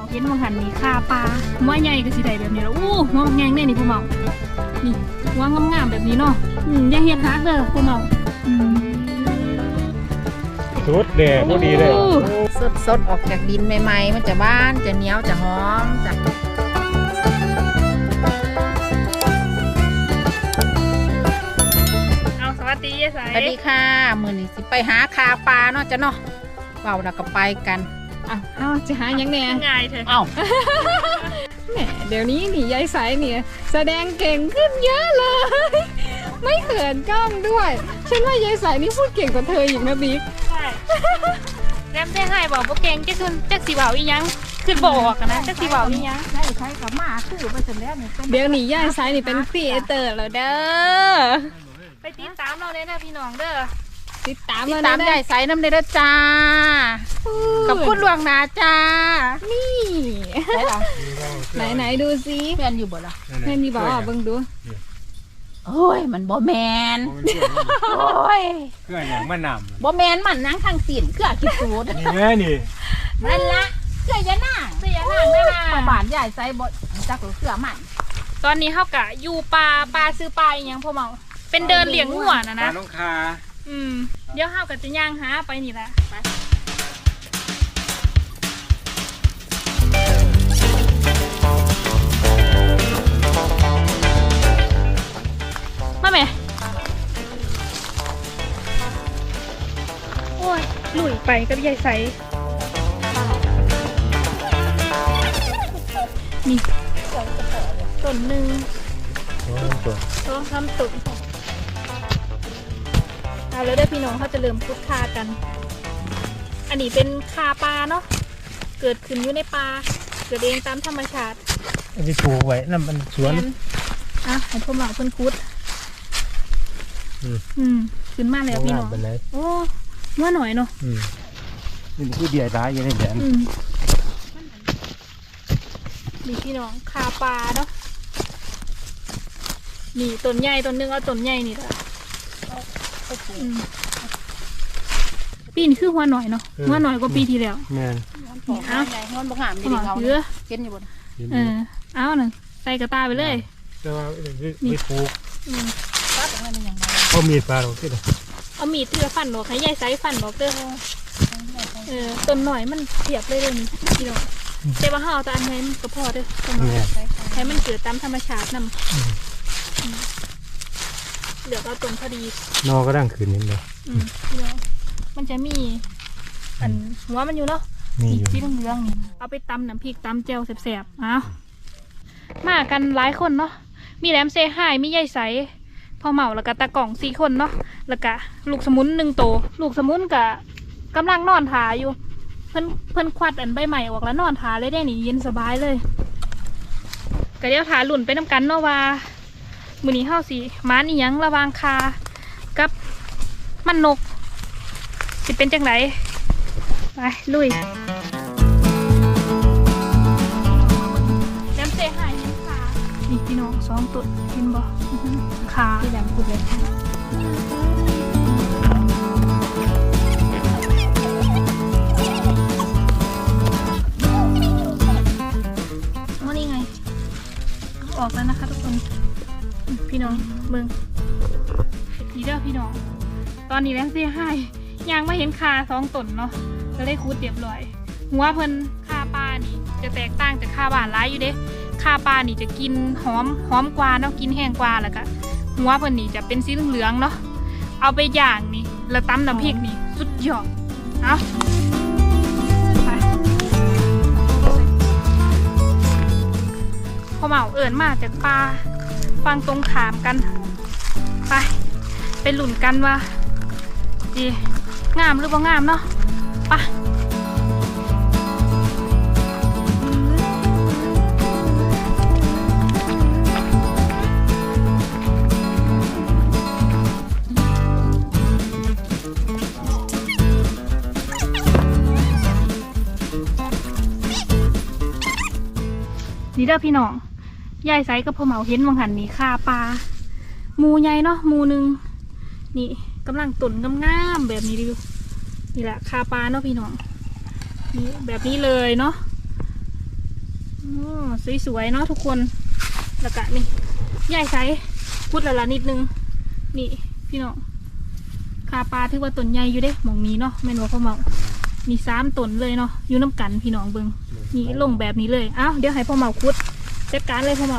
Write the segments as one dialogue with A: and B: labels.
A: เห็นมังหันนี่คาปลาหัวใหญ่ก็สิได้แบบนี้แล้วอู้หัวแงงเนี่ยนี่พ่อเมานี่หัวงามๆแบบนี้เนาะอย่าเฮ็ดฮักเด้อพ่อเมา
B: สุดเด็ดพอดีเลย
C: สดออกจากดินใหม่ๆมันจะบ้านจะเหนียวจะหอมจะ
A: เอาสวัสดียายสาย
C: สวัสดีค่ะมื้อนี้สิไปหาคาปลาเนาะจ้ะเนาะเว้าแล้วก็ไปกัน
A: เอาจะหายังแน่ง่ายเถอะแหมเดี๋ยวนี้นี่ยายสายเนี่ยแสดงเก่งขึ้นเยอะเลยไม่เขินกล้องด้วยฉันว่ายายสายนี่พูดเก่งกว่าเธออีกนะบิ๊กใช่แรมได้ให้บอกว่าเก่งจะขึ้นจักสีเบาอีหยังขึ้นบอกนะจักสีเบาอีหยัง
C: ได้ใช้กับมาคือไปเสร็จแล้วนี่
A: เดี๋ยวนี้ยายสายนี่เป็นครีเอเตอร์แล้วเด้อไปติดตามเราเลยนะพี่น้องเด้อติดตาม
C: ยายสายน้ำเด้อจ้ากับคุณหลวงนาจ้า
A: นี่ไหนดูซิ
C: แม่นอยู่บ่ล่ะ
A: แม่นมีบอกเบิ่งดู
C: โอ้ยมันบ่แมนโอ้ย
B: เครื่องอย่างมันนำ
C: บ่แมนมันนั่งทางสินเครื่องคิดสูตร
B: นี่แม่นี่
C: นั่นละเครื่องยะนางนั่นล่ะบ้านใหญ่ใส่บ่จักเครื่องมัน
A: ตอนนี้เฮากะอยู่ปลาซื้อปลาอีหยังพ่อเมาเป็นเดินเลี้ยงงัวนะ
B: ปลาน้องคา
A: เดี๋ยวเฮากะจะย่างหาไปนี่แหละมาแม่โอ้ยหลุยไปกับยายใสนี่ต้นหนึ่งต้องทำตุ่นเอาแล้วได้พี่น้องเขาจะเริ่มพุดคากัน อันนี้เป็นคาปลาเนาะเกิดขึ้นอยู่ในปลาเกิดเองตามธรรมชาติ
B: อันนี้ปลูกไว้นั่นมันสวน
A: ให้พวกเราเพิ่นคุดขึ้นมาแล้วพี่น้องโอ้เมื่อหน่อยเนาะ
B: นี่คือเดียร้ายยังไงแดน
A: นี่พี่น้องคาปลาเนาะนี่ต้นใหญ่ต้นนึงเอาต้นใหญ่นี่ละปีนี้คือหัวหน่อยเนาะหัวหน่อยกว่าปีที่แล้ว
B: แม่
C: เอาหัวบ่งามดีเขาเยอะเก็นอยู่บน
A: เอาหนึ่งใส่กระตาไปเลย
B: แต่ว่าไม่ปลูก
C: เอา
B: มีดปลาหรอกที่ไหน
A: เอามีดที่จะฟันหรอกให้ยายไซฟันหรอกเด้อต้นหน่อยมันเสียบเลยนี่พี่น้องแต่ว่าห่อแต่อันนี้มันก็พอเด้อให้มันเกิดตามธรรมชาตินำเหลือเอาตรงพอดี
B: นอก็ดังคืนนิดเลย
A: พี่น้องมันจะมีอันหัวมันอยู่เนาะที่เหลืองๆนี่เอาไปตำน้ำพริกตำเจลแสบๆเอามากันหลายคนเนาะมีแหลมเซฮายมียายใสพ่อเมาแล้วก็ตะกล่อง4 คนเนาะแล้วก็ลูกสมุน1 ตัวลูกสมุนกะกำลังนอนถาอยู่เพิ่นควัดอันใบใหม่ออกแล้วนอนถาเลยได้นี่เย็นสบายเลยก็เดี๋ยวถาหลุ่นไปน้ำกันเนาะว่ามื้อนี้เฮาสิม้านี่ยังระวางคากับมันนกสิเป็นจังไดไปลุยน้ำเซหายนี่ค่ะนี่พี่น้อง2 ตัวเห็นบ่ขา
C: ที่ดำพูดเลย
A: ว่านี่ไงออกแล้วนะคะทุกคนพี่น้องเบิ่งดีเด้อพี่น้องตอนนี้แลมเซ่ให้ยังไม่เห็นคา2 ตนเนาะก็เลยคูดเรียบร้อยหัวเพิ่นคาปลานี่จะแตกต่างจากคาบ้านร้ายอยู่เด้คาปลานี่จะกินหอมกว่าเนาะกินแห้งกว่าแล้วก็หัวเพิ่นนี่จะเป็นสีเหลืองๆเนาะเอาไปย่างนี่แล้วตำน้ำพริกนี่สุดยอดเอาพอเหมาเอิญมาจากปลาฟังตรงขามกันไปหลุ่นกันว่าดีงามหรือบ่งามเนาะไปนี่เด้อพี่น้องยายไซกับพ่อเหมาเห็นวังหันนี่คาปลาหมูใหญ่เนาะหมูหนึ่งนี่กำลังตุ่นงามๆแบบนี้ดินี่แหละคาปลาเนาะพี่น้องนี่แบบนี้เลยเนาะอ๋อสวยๆเนาะทุกคนแล้วก็นี่ใหญ่ไซส์พูดละนิดนึงนี่พี่น้องคาปลาถือว่าต้นใหญ่อยู่เด้หมองนี้เนาะแม่นว่าพ่อเมามี3ต้นเลยเนาะอยู่น้ำกันพี่น้องเบิงนี่ลงแบบนี้เลยอ้าวเดี๋ยวให้พ่อเมาคุดจัดการเลยพ่อเมา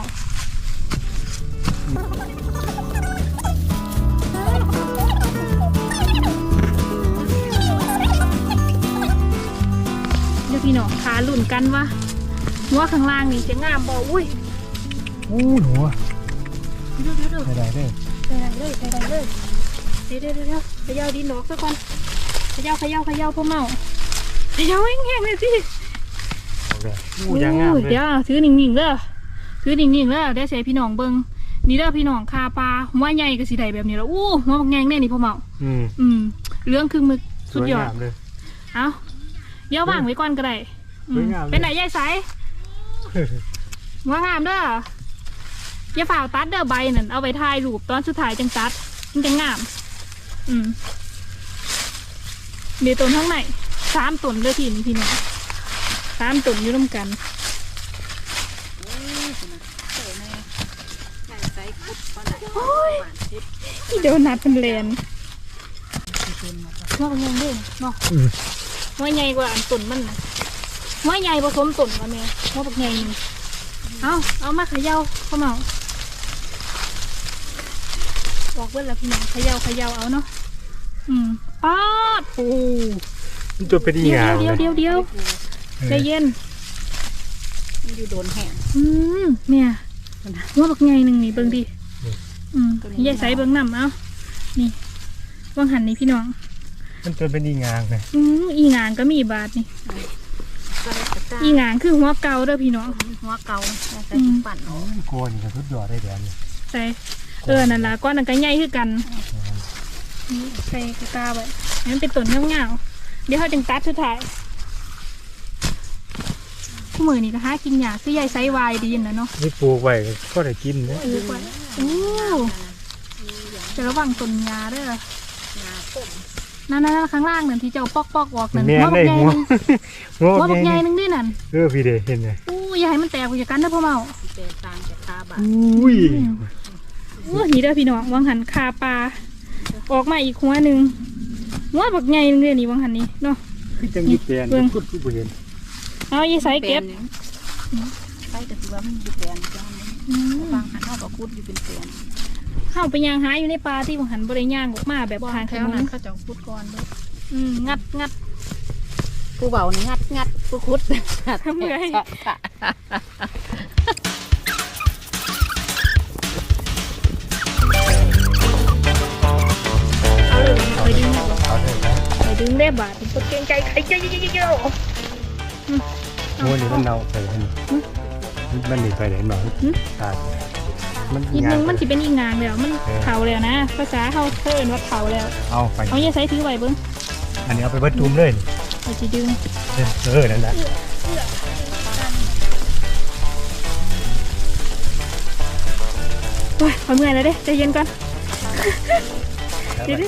A: เดี๋ยวพี่น้องขาหลุ่นกันวะหัวข้างล่างนี่จะงามบ่อุ้ย
B: โอ้หนู
A: เดี๋ยว
B: ใส่ได้เด้อ
A: ใส่เลยเดี๋ยวเขย่าดินดอกซะก่อนเขย่าพ่อเมาเขย่าแห้งๆเลยสิ
B: เอาเลยยังงามเลย
A: เดี๋ยวถือนิ่งๆเด้อถือนิ่งๆเด้อเดี๋ยวใส่พี่น้องเบิ่งนี่เด้อพี่น้องคาปลาหัวใหญ่ก็สิได้แบบนี้แล้วอู้หัวบักแงงแน่นี่พ่อเมาเรื่องคือมึกสุดยอด
B: สวงามเลย
A: เอาเดี๋ยววางไว้ก่อนก็ได้อืม
B: สวยงามเลย
A: เป็นไหนยายสายหัวงามเด้ออย่าฝ่าตัดเด้อใบนั่นเอาไปถ่ายรูปตอนสุดท้ายจังตัดมันจะงามมีต้นข้างใน3ต้นเด้อพี่นี่พี่น้อง3ต้นอยู่ร่วมกัน
C: ใหญ่ไซส์คุดปลาไหน
A: โอ้ยที่เดี๋ยวนัดเป็นเลนว่าเป็นยังไงเนาะว่าใหญ่กว่าอันต้นมันนะว่าใหญ่ผสมต้นกันเนี่ยว่าแบบใหญ่นึงเอามาเขย่าเข้ามาบอกเบิ้ลแล้วพี่น้องเขย่าเอาเนาะป๊าด
B: โอ้มันตัวเป็นอี
A: เดี๋
B: งาม
A: ยวใจเย็น
C: มันอยู่โดนแห้ง
A: เนี่ยว่าแบบใหญ่นึงนี่เบิ้งดิยายใส่เบิ้งน้ำเอานี่ว่างหันนี่พี่น้อง
B: มันตัวเป็นอีงามเลย
A: อีหงางก็มีบาทนี่อีหงางคือหัวเก่าเด้อพี่น้อง
C: หัวเก่าใส่ปั่น
B: โกนกับทุกยอดได้แดน
A: ใส่นั่นล่ะก้อนนั่นก็ใหญ่คือกันนี่ใส่กระตาไว้ให้มันเป็นต้นเงาๆเดี๋ยวเขาจึงตัดสุดท้ายคู่มือนี่ก็หากินยากคือใหญ่ไซส์วายดีนะเนาะ
B: นี่ปลูกไว้ก็ได้กินนะ
A: โอ้จะระวังต้นยาเด้อนั่นข้างล่างนั่นที่เจ้าปอกออกนั่น
B: แม่
A: หัวบั
B: ได้
A: กใหญ่
B: หัว
A: นึง
B: หัว
A: หัวบักใหญ่นึงด้วยนั่น
B: พี่เดเห็นไง
A: อย่าให้มันแตกอย่ากันนะพ่อเมา
C: เจอตามจากคาบะ
B: อุ้ย
A: นี่เด้อพี่น้องวางหันคาปลาออกมาอีกหัวหนึ่งหัวบักใหญ่นึงเด้อนี่วางหันนี่เนาะ
B: คือจังยี่แปลนพูดผู้เห็น
A: เอายี่ใส่เก็บ
C: ใส่แต่ว่ามันอยู่แปลนจ้าบางหันเขาก็คุดอยู่เป็นแปลน
A: เข้าไปย่างหาอยู่ในปลาที่วางหันบริย่างออกมาแบบทาง
C: แถ
A: ข
C: วน นั้
A: ม
C: นเขาจะคุดก่อนด้วย
A: งัด
C: ผู้เบานี่งัดผู้คุด
A: ทำไงเอาเลยไปดึง
B: เอาเลยนะ
A: ไปดึงได้บาทตัวเก่งใจใครเยอะ
B: หัวนี่มันเน่าไปแล้วนี่มันหนีไปไหนหนอนตายมัน
A: นิดนึงมันจะเป็นอีงางแล้วมันเผาแล้วนะภาษาเขาเพิ่นว่าเผาแล้ว
B: เอาไป
A: เอาอย่าใส่ถือไว้เบิ้ง
B: อันนี้เอาไปเบิดตุ้มเลย
A: เราจะดึง
B: นั่นแหละ
A: โอ้ยพอเมื่อยแล้วเด้ใจเย็นก่อนเดี๋ยว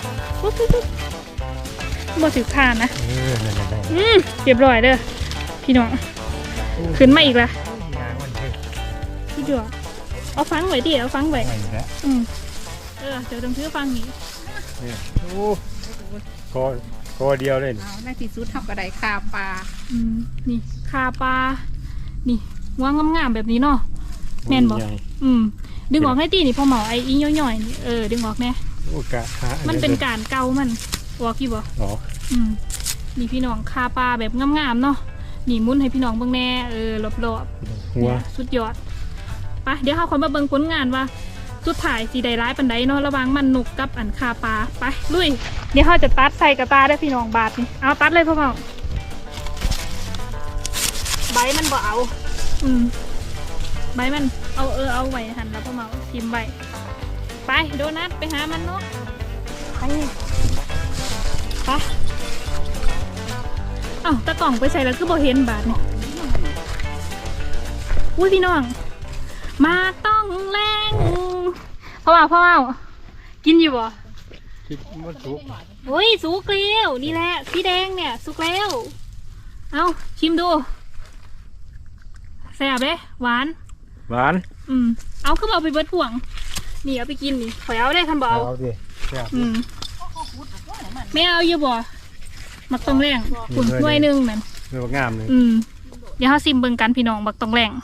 A: บ่ถือผ่านนะ
B: นั่นแหละ
A: เรียบร้อยเด้อพี่น้องขึ้นมาอีกละ
B: งานมันเท่
A: พี่จั่วเอาฟังไว้ดิเอาฟังไว้
B: ไปแล้ว
A: เดี๋ยวต้องถือฟังนี่
B: โอ้คอเดียวเลย
C: เอาในที่สุดเท่ากับไดคาปลา
A: นี่คาปลานี่วางงามๆแบบนี้เนาะแม่นบ่ดึงออกให้ตีนี่พอเหมาไอ้อีย่อยๆนี่ดึงออกแน่
B: โอ้กะหา
A: มันเป็นการเกามันออกอยู่บ่
B: อ๋อ
A: นี่พี่น้องคาปลาแบบงามๆเนาะนี่มุนให้พี่น้องเบิ่งแน่รอบ
B: หัว
A: สุดยอดไปเดี๋ยวเขาคนมาเบิ่งผลงานว่าสุดท้ายสีใดร้ายปันใดเนาะระหว่างมันนุกกับอันคาปลาไปลุยเดี๋ยวเขาจะตัดใส่กระตาได้พี่น้องบาทนี่เอาตัดเลยพ่อเมาใบมันบ่เอาใบมันเอาไว้หันแล้วพ่อเมาทิมไว้ไปโดนัทไปหามันเนาะไปเอ้าตะกล่องไปใส่แล้วคือบ่เห็นบาทนี่อุ้ยพี่น้องมาต้องแรงพ่อเมากินอยู่บ่
B: คิดมันสุก
A: โอ้ยสุกแล้วนี่แหละสีแดงเนี่ยสุกแล้วเอาชิมดูแซ่บเด้หวาน
B: หวาน
A: เอาคือเอาไปเบิดพ่วงนี่เอาไปกินนี่ข่อยเอาได้คันบ่เอา
B: เอาดิแซ่บ
A: ไม่เอาอยู่บ่มักตองแรงขุ่นถ้วยหนึงนั่น
B: เนื้องามเลย
A: เดี๋ยวเฮาซิมเบิ่งกันพี่น้องมักตองแรง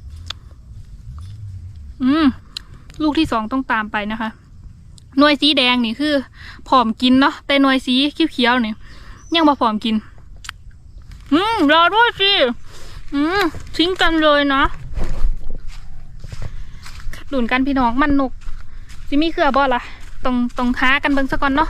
A: ลูกที่2ต้องตามไปนะคะหน่วยสีแดงนี่คือผอมกินเนาะแต่หน่วยสีเขียวๆนี่ยังบ่ผอมกินรอด้วยสิทิ้งกันเลยนะดุนกันพี่น้องมันนกสิมีเครือบ่ล่ะต้องหากันเบิ่งซะก่อนเนาะ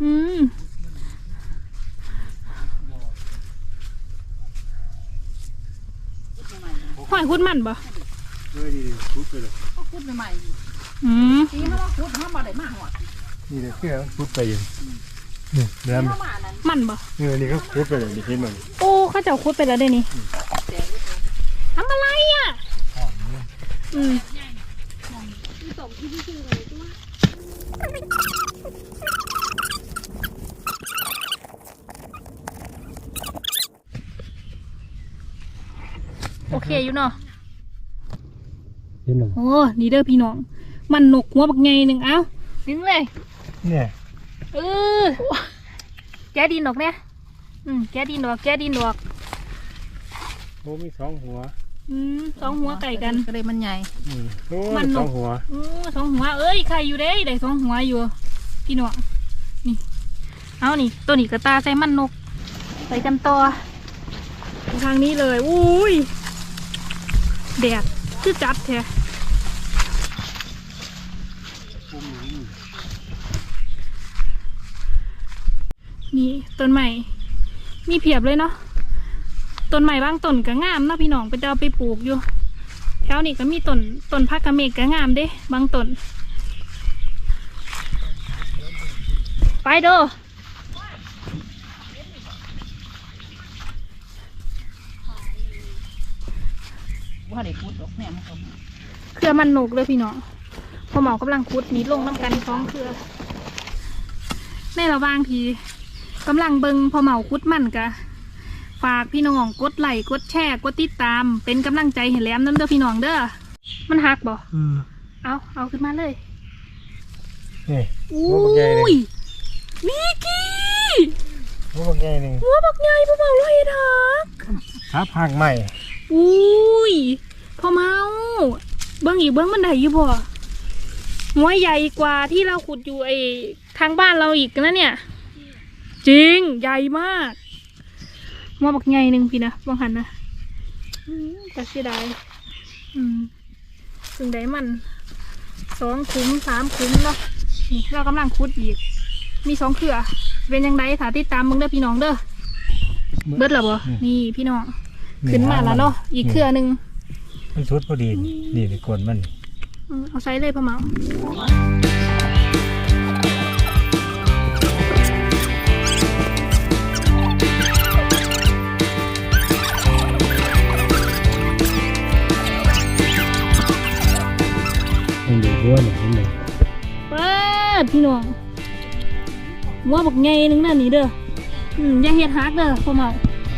A: หอยคุดมันบ่
B: ดีพุดไปเลย
C: พูดใหม่
A: ๆ
C: สีเขาว่าพูดเขาบ่ได้มาหอด
B: นี่เลยเพื่อพุดไปอยู่นี่เนื้อ
C: เข้ามานั้น
A: มันบ่
B: นี่ก็พุดไปเลยดิเห็นมัน
A: โอ้ข้าเจ้าคุดไปแล้วได้นี่ทำอะไรอ่ะโอเคอยู่เนาะ
B: เห็นหนึ่ง
A: โอ้นี่เด้อพี่น้องมันนกหัวบักไงหนึ่งเอ้าดึงเลย
B: เนี่ย
A: แกดินดอกเนี่ยแกดินดอก
B: โอ้มี2 หัว
A: 2 หัวไก่กัน
C: ก็เลยมันใหญ่
B: โอ้
A: มันนก
B: 2 หัว
A: 2 หัวเอ้ยไข่อยู่เด้ได้2 หัวอยู่พี่น้องนี่เอานี่ตัวนี้กระตาใส่มันนกไปกันต่อทางนี้เลยอุ้ยแดดคือจัดแท้นี่ต้นใหม่มีเพียบเลยเนาะต้นใหม่บางต้นก็งามเนาะพี่น้องไปเอาไปปลูกอยู่แถวนี้ก็มีต้นพักกระเมกก็งามเด้บางต้นไปเด้อ
C: ว่าได้พูดดอกเนี่ยมันก็
A: เครือมันนกเลยพี่น้องพอเหมากำลังคุดนี้ลงน้ำกัน2 เครือในระหว่างที่กำลังเบิงพอเหมาคุดมันกะฝากพี่น้องกดไลค์กดแชร์กดติดตามเป็นกำลังใจให้แหลมน้ำเด้อพี่น้องเด้อมันหักบ่เอาขึ้นมาเลย
B: นี่
A: อุ้ยมิกกี้
B: หัวบักใหญ่นึง
A: หัวบักใหญ่พอเหมาเลยทัก
B: ครับหักใหม่
A: อุ้ยพอเหมาเบิ้งอีกเบิ้งมันได้อยู่บ่หัวใหญ่กว่าที่เราขุดอยู่ไอ้ทางบ้านเราอีกนะเนี่ยจริงใหญ่มากหัวบักใหญ่หนึ่งพี่นะบางหันนะแต่เสียดายถึงได้มัน2 ขุม 3 ขุมเนาะนี่เรากำลังขุดอีกมี2 เครือเป็นยังไงถาติดตามมึงเด้อพี่น้องเด้อเบิดหรอบ่นี่พี่น้องขึ้นมาแล้วเนาะอีกเครือหนึ่ง
B: มันชุดพอดีนี่ในกวนมัน
A: เอาใช้เลยพ่อเหมา
B: มันดูด้วนเห็นไหม
A: เปิดพี่น้องหัวบักไงนึงนั่นนี่เด้ออย่าเฮ็ดฮักเด้อพ่อเหมา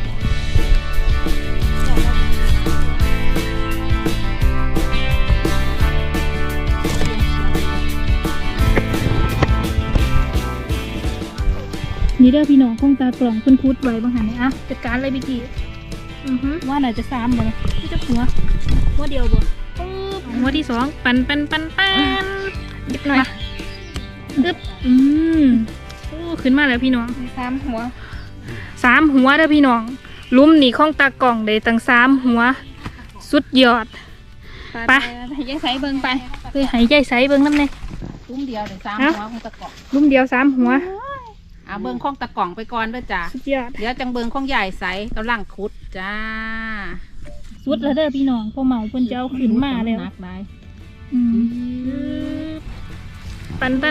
A: นี่เด้อพี่น้องคงตากล่องเพิ่นคุดไว้บางหันนี่อ่ะจัดการเลยพี่กี้ว่าน่าจะ3บ่ที่จะหัวเดียวบ่หัวที่2ปันหยิบหน่อยปึ๊บโอ้ขึ้นมาแล้วพี่น้อง3 หัวเด้อพี่น้องลุ่มนี่ของตากล่องได้ตั้ง3 หัวสุดยอดไปให้ยายใสเบิ่งไปเฮ้ยให้ยายใสเบิ่งนำแน่
C: ซุ้มเดียวได้3 หัวของตะกล่อง
A: ลุ่มเดียว3 หัว
C: เบิ่งของตะกล่องไปก่อนเด้อจ้า
A: สุดยอด
C: เดี๋ยวจังเบิ่งของใหญ่ใสกำลังขุดจ้า
A: สุดแล้วเด้อพี่น้องพอเหมาเพิ่นจะเอาขึ้นมาแล้ว
C: นักได้
A: ปัน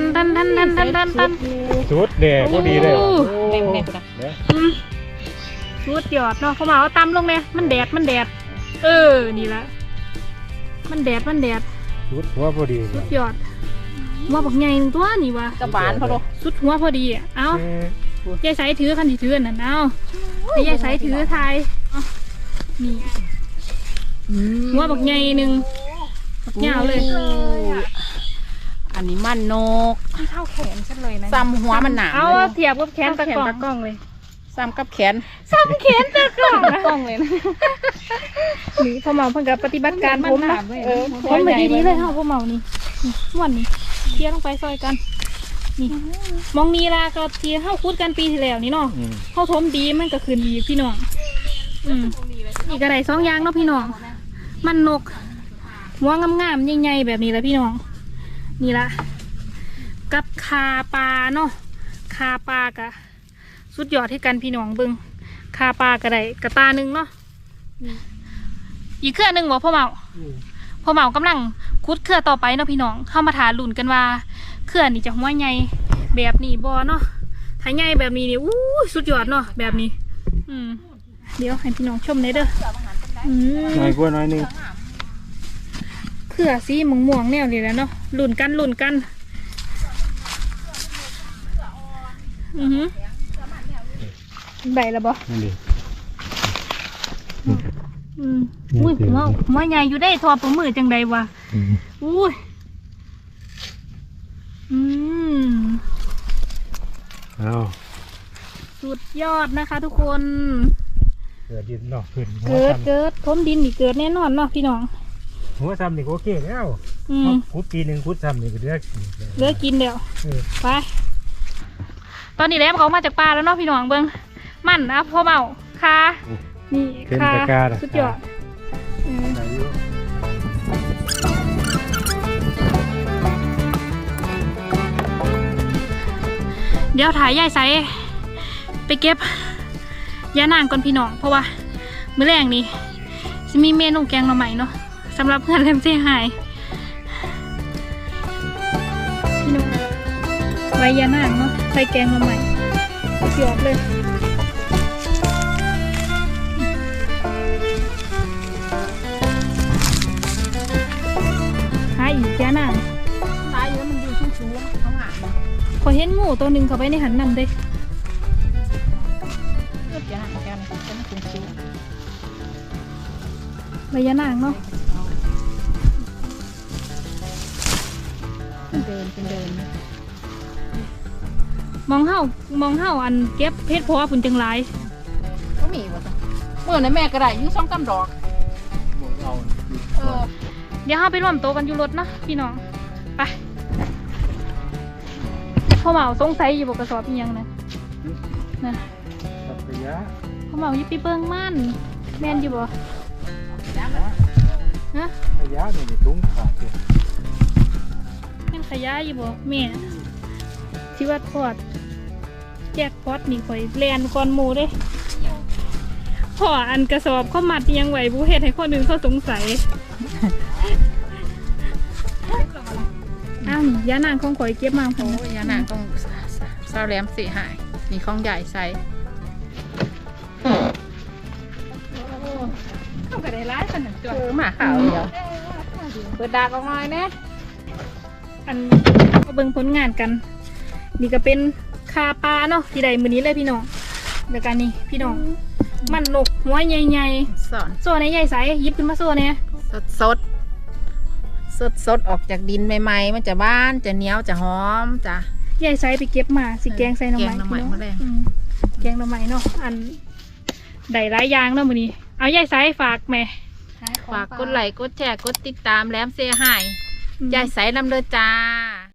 B: ชุดแดงพอดีเลย
C: เล่นๆจ้ะ
A: สุดยอดเนาะพอเหมาเอาตำลงเนี่ยมันแดดนี่ละมันแดด
B: ชุดหัวพอดี
A: สุดยอดว่าบักใหญ่ตัวนี่วะ
C: กระบาลพอโล
A: สุดหัวพอดีอ่ะเอายายใสถือคันที่ถือนั่นเอาให้ยายใสถือทายนี่หัวบักใหญ่หนึ่งบักยาวเลย
C: อันนี้มันนก
A: ที่เท่าแขนฉันเลยนะ
C: ซ้ำหัวมันหนา
A: เอาเทียบกับแขนตะกล้องเลย
C: ซ้ำกับแขน
A: ซ้ำแขนตะกล้องเลยนะนี่พ่อเมาเพิ่งกับปฏิบัติการผมนะผมไปดีๆเลยเฮาพ่อเมานี่ม่วนนี่เทียลงไปซอยกันนี่มองนีลาก็เทียเฮาคุดกันปีที่แล้วนี่เนาะเฮาทมดีมันก็คืนดีพี่น้องอีกอะไรสองอย่างเนาะพี่น้องมันนกหัวงามๆใหญ่ๆแบบนี้แหละพี่น้องนี่ละกับคาปลาเนาะคาปลากะสุดยอดที่กันพี่น้องเบิงคาปลากระไดกระตาหนึ่งเนาะอีกเครือหนึ่งบ่พ่อเมากำลังคุดเครือต่อไปเนาะพี่น้องเข้ามาถาลุ่นกันว่าเครือนี่จะหัวใหญ่แบบนี้บ่เนาะถ้าใหญ่แบบนี้นี่อู้สุดยอดเนาะแบบนี้เดี๋ยวให้พี่น้องชมเลยเด้อ
B: น้อยกว่าน้อยนึง
A: เครือสีม่วงๆแนวนี้แหละเนาะลุ่นกันได้แล้วบ่
B: นั่นดิ
A: อุ้ยหัวใหญ่อยู่ได้ทอประมือจังใดวะอุ้ย
B: เอา
A: สุดยอดนะคะทุกคน
B: เกิดดินเนาะ
A: เกิดทมดินนี่เกิดแน่นอนเนาะพี่น้อง
B: หัวซ้ำนี่ก็โอเคแล้วคุดปีนึงคุดซ้ำนี่ก็เลือก
A: กินเดี๋ยวไปตอนนี้แล้วเขามาจากป่าแล้วเนาะพี่น้องเบิ้งมันนะพ่อเมาคานี่คาสุดยอดเดี๋ยวถ่ายยายใสไปเก็บยานางก่อนพี่น้องเพราะว่ามื้อแรงนี้จะมีเมนูแกงหน่อไม้เนาะสำหรับเพื่อนแรมเซ่หายพี่น้องใบยานางเนาะใส่แกงหน่อไม้เกือบเลยหายอีกยานาง
C: ตายเยอะมันอยู่ชุ่มๆเขาหา
A: พอเห็นงูตัวหนึ่งเข้าไปในหันนำเด้ใบยานางเนาะ
C: เดิน
A: มองเห่าอันเก็บเพชรเพราะว่าผุนจังไร
C: ก็มีวะจ้ะเมื่อนั้นแม่ก็ได้ยุ่ง2-3 ดอก
A: เดี๋ยวเฮาไปร่วมโตกันอยู่รถเนาะพี่น้องไปพ่อเมาสงสัยอยู่บกกระสอบอีหยังนะพ่อเมาอยู่ปีเบิ้งมันแม่นอยู่บ่ฮะ
B: ขยะนี่ตุ้งขาดเลย
A: แม่นขยะอยู่บ่แม่ที่ว่าทอดแจกพอดนี่ข่อยแลนก่อนหมูเด้พ่ออันกระสอบเขามัดยังไหวบุเฮ็ดให้คนอื่นเขาสงสัยยานางของข่อยเก็บมา
C: โอ้ยานางของสาวแหลมสีหายมีของใหญ่ใส่เข้าไปได้ร้ายขนาดจดหมาขาวเดียวเปิดดากออกหน่อยนะ
A: อันก็เบิ่งผลงานกันนี่ก็เป็นคาปลาเนาะที่ใดมือนี้เลยพี่น้องแล้วกันนี่พี่น้องมันนกหัวใหญ่ๆโซ่ในใหญ่ใสยิบขึ้นมาโซ่เนี่ย
C: สดออกจากดินใหม่ๆมันจะบ้านจะเหนียวจะหอมจ้ะ
A: ใหญ่ไซไปเก็บมาสิแกงใส่หน่อไม้แกงหน่อไม้เนาะอันได้หลายอย่างเนาะมื้อนี้เอาใหญ่ไซฝากแม่
C: ฝากกดไลค์กดแชร์กดติดตามแหลมเซ่หายใหญ่ไซนำเด้อจ้า